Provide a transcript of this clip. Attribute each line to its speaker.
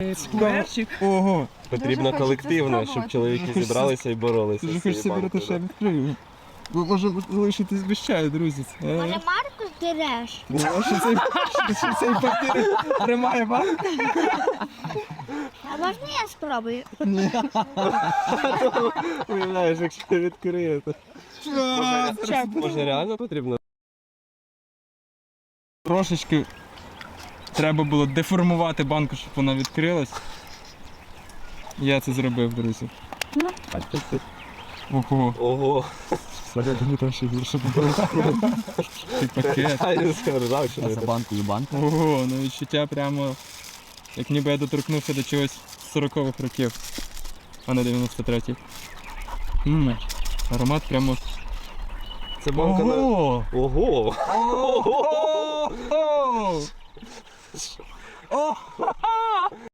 Speaker 1: перчик.
Speaker 2: Ого.
Speaker 3: Потрібно колективно, щоб чоловіки зібралися і боролися.
Speaker 2: Дуже
Speaker 3: з цією
Speaker 2: хочеться
Speaker 3: банкою,
Speaker 2: берете ще
Speaker 3: да.
Speaker 2: відкрию. Ви може залишитись без чаю, друзі.
Speaker 4: Може, Марку здереш?
Speaker 2: Що цей папір тримає банк?
Speaker 4: А можна я спробую?
Speaker 3: Уявляєш, якщо ти відкриєте. Може реально потрібно?
Speaker 2: Трошечки треба було деформувати банку, щоб вона відкрилась. Я це зробив, друзі. Ого.
Speaker 3: Ого.
Speaker 2: Мені там ще більше було. Цей пакет.
Speaker 3: А я сказав, що не
Speaker 5: банкою банк.
Speaker 2: Ого, ну відчуття прямо, як ніби я доторкнувся до чогось з 40-х років, а не 93-х. Аромат прямо...
Speaker 3: Це банка на...
Speaker 2: Ого!
Speaker 3: Ого!
Speaker 2: Ого! Ого!